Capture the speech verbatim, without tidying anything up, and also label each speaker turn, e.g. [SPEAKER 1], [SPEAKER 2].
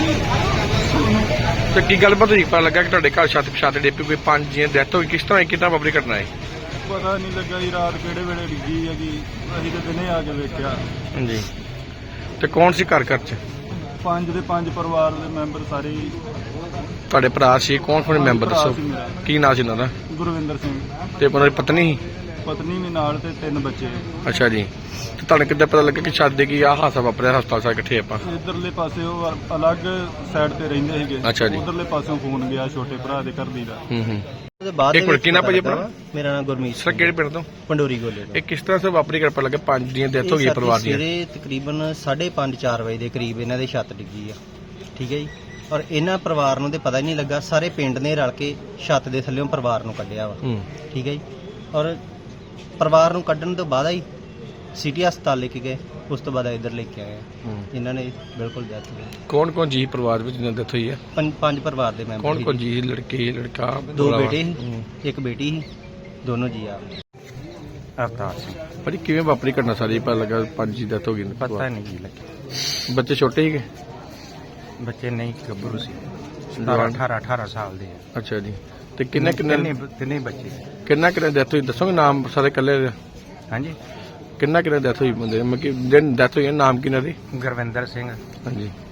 [SPEAKER 1] ਤੇ ਕੀ ਗੱਲਬਾਤ ਹੋਈ? ਪਤਾ ਲੱਗਾ ਕਿ ਤੁਹਾਡੇ ਘਰ ਛੱਤ ਛੱਤ ਡਿੱਪੀ ਕੋਈ ਪੰਜ ਜੀਆਂ ਡੈਥ ਹੋਈ, ਕਿਸ ਤਰ੍ਹਾਂ ਕਿੱਦਾਂ ਵਾਪਰੀ ਘਟਨਾ ਹੈ?
[SPEAKER 2] ਪਤਾ ਨਹੀਂ ਲੱਗਾ ਜੀ, ਰਾਤ ਕਿਹੜੇ ਵੇਲੇ ਡਿੱਗੀ ਹੈਗੀ, ਅਸੀਂ ਤੇ ਦਿਨੇ ਆ ਕੇ ਵੇਖਿਆ।
[SPEAKER 1] ਹਾਂਜੀ, ਤੇ ਕੌਣ ਸੀ ਘਰ ਘਰ ਚ?
[SPEAKER 2] ਪੰਜ ਦੇ ਪੰਜ ਪਰਿਵਾਰ ਦੇ ਮੈਂਬਰ ਸਾਰੇ ਹੀ।
[SPEAKER 1] ਤੁਹਾਡੇ ਭਰਾ ਸੀ? ਕੌਣ ਕੌਣ ਮੈਂਬਰ
[SPEAKER 2] ਭਰਾ
[SPEAKER 1] ਦੱਸੋ?
[SPEAKER 2] ਸੀ ਮੇਰਾ,
[SPEAKER 1] ਕੀ ਨਾਂ ਸੀ ਉਹਨਾਂ ਦਾ?
[SPEAKER 2] ਗੁਰਵਿੰਦਰ ਸਿੰਘ।
[SPEAKER 1] ਤੇ ਉਹਨਾਂ ਦੀ ਪਤਨੀ ਸੀ?
[SPEAKER 2] ਪਤਨੀ ਵੀ ਨਾਲ ਤੇ ਤਿੰਨ ਬੱਚੇ।
[SPEAKER 1] ਅੱਛਾ ਜੀ, ਤੇ ਤੁਹਾਨੂੰ ਕਿੱਦਾਂ ਪਤਾ ਲੱਗਾ ਕਿ ਛੱਤ ਦੇ ਕੀ ਆਹ ਹਾਦਸਾ ਵਾਪਰਿਆ? ਹਸਪਤਾਲ ਸਾਰੇ ਇਕੱਠੇ ਆਪਾਂ?
[SPEAKER 2] ਇਧਰਲੇ ਪਾਸੇ ਉਹ ਅਲੱਗ ਸਾਈਡ ਤੇ ਰਹਿੰਦੇ ਸੀਗੇ।
[SPEAKER 1] ਅੱਛਾ ਜੀ।
[SPEAKER 2] ਉਧਰਲੇ ਪਾਸੋਂ ਫੋਨ ਗਿਆ ਛੋਟੇ ਭਰਾ ਦੇ ਘਰ ਦੀ ਦਾ।
[SPEAKER 1] ਹੂੰ ਹੂੰ
[SPEAKER 3] ਬਾਅਦ
[SPEAKER 1] ਇੱਕ ਮਿੰਟ, ਕੀ ਨਾਂ ਭਾਜੀ ਆਪਣਾ?
[SPEAKER 3] ਮੇਰਾ ਨਾਮ ਗੁਰਮੀਤ
[SPEAKER 1] ਸਰ ਕਿਹੜੇ ਪਿੰਡ ਤੋਂ?
[SPEAKER 3] ਪੰਡੋਰੀ ਗੋਲੇ ਤੋਂ।
[SPEAKER 1] ਇਹ ਕਿਸ ਤਰ੍ਹਾਂ ਸੇ ਵਾਪਰੀ ਕਰ ਪਤਾ ਲੱਗਾ ਪੰਜ ਦੀਆਂ ਡੈਥ ਹੋ ਗਈ ਪਰਿਵਾਰ ਦੀ?
[SPEAKER 3] ਸਵੇਰੇ ਤਕਰੀਬਨ ਸਾਢੇ ਪੰਜ ਚਾਰ ਵਜੇ ਦੇ ਕਰੀਬ ਇਹਨਾਂ ਦੇ ਛੱਤ ਡਿੱਗੀ ਆ, ਠੀਕ ਹੈ ਜੀ। ਔਰ ਇਹਨਾਂ ਪਰਿਵਾਰ ਨੂੰ ਤੇ ਪਤਾ ਹੀ ਨਹੀਂ ਲੱਗਾ, ਸਾਰੇ ਪਿੰਡ ਨੇ ਰਲ ਕੇ ਛੱਤ ਦੇ ਥੱਲੇੋਂ ਪਰਿਵਾਰ ਨੂੰ ਕੱਢਿਆ ਵਾ,
[SPEAKER 1] ਹੂੰ
[SPEAKER 3] ਠੀਕ ਹੈ ਜੀ। ਔਰ ਪਰਿਵਾਰ ਨੂੰ ਕੱਢਣ ਤੋਂ ਬਾਅਦ ਹੀ ਸਿਟੀ ਹਸਪਤਾਲ ਲੈ ਕੇ ਗਏ, ਉਸ ਤੋਂ ਬਾਅਦ ਇੱਧਰ ਲੈ ਕੇ ਆਏ। ਇਹਨਾਂ ਨੇ ਬਿਲਕੁਲ ਡੈਥ ਹੋ ਗਈ।
[SPEAKER 1] ਕੌਣ ਕੌਣ ਜੀ ਪਰਿਵਾਰ ਵਿੱਚ ਜਿਹਨਾਂ ਡੈਥ ਹੋਈ ਹੈ?
[SPEAKER 3] ਪੰਜ ਪੰਜ ਪਰਿਵਾਰ ਦੇ ਮੈਂਬਰ
[SPEAKER 1] ਕੌਣ
[SPEAKER 3] ਸੀ।
[SPEAKER 1] ਕੌਣ ਜੀ? ਲੜਕੇ ਲੜਕਾ?
[SPEAKER 3] ਦੋ
[SPEAKER 1] ਭਰਾ?
[SPEAKER 3] ਬੇਟੇ ਸੀ,
[SPEAKER 1] ਹੂੰ।
[SPEAKER 3] ਇੱਕ ਬੇਟੀ ਸੀ, ਦੋਨੋਂ ਜੀ ਆ।
[SPEAKER 4] ਅਵਤਾਰ ਸਿੰਘ।
[SPEAKER 1] ਭਾਜੀ ਕਿਵੇਂ ਵਾਪਰੀ ਘਟਨਾ ਸਾਰੀ? ਪਤਾ ਲੱਗਾ ਪੰਜ ਦੀ ਡੈਥ ਹੋ ਗਈ।
[SPEAKER 4] ਪਤਾ ਨਹੀਂ ਜੀ ਲੱਗਿਆ।
[SPEAKER 1] ਬੱਚੇ ਛੋਟੇ ਸੀਗੇ?
[SPEAKER 4] ਬੱਚੇ ਨਹੀਂ, ਗੱਭਰੂ ਸੀ, ਸਤਾਰਾਂ ਅਠਾਰਾਂ ਅਠਾਰਾਂ ਸਾਲ ਦੇ ਆ।
[SPEAKER 1] ਅੱਛਾ ਜੀ, ਤੇ ਕਿੰਨੇ ਕਿੰਨੇ
[SPEAKER 4] ਤਿੰਨੇ ਤਿੰਨੇ ਬੱਚੇ।
[SPEAKER 1] ਕਿੰਨਾ ਕਿੰਨੇ ਡੈਥ ਹੋਈ ਦੱਸੋਗੇ? ਨਾਮ ਸਾਰੇ ਇਕੱਲੇ ਦੇ?
[SPEAKER 4] ਹਾਂਜੀ,
[SPEAKER 1] ਕਿੰਨਾ ਕਿੰਨੇ ਡੈਥ ਹੋਈ ਬੰਦੇ? ਮਤਲਬ ਕਿ ਜਿਹਨ ਡੈਥ ਹੋਈ ਹੈ, ਨਾਮ ਕਿਹਨਾਂ ਦੀ?
[SPEAKER 4] ਗੁਰਵਿੰਦਰ ਸਿੰਘ,
[SPEAKER 1] ਹਾਂਜੀ,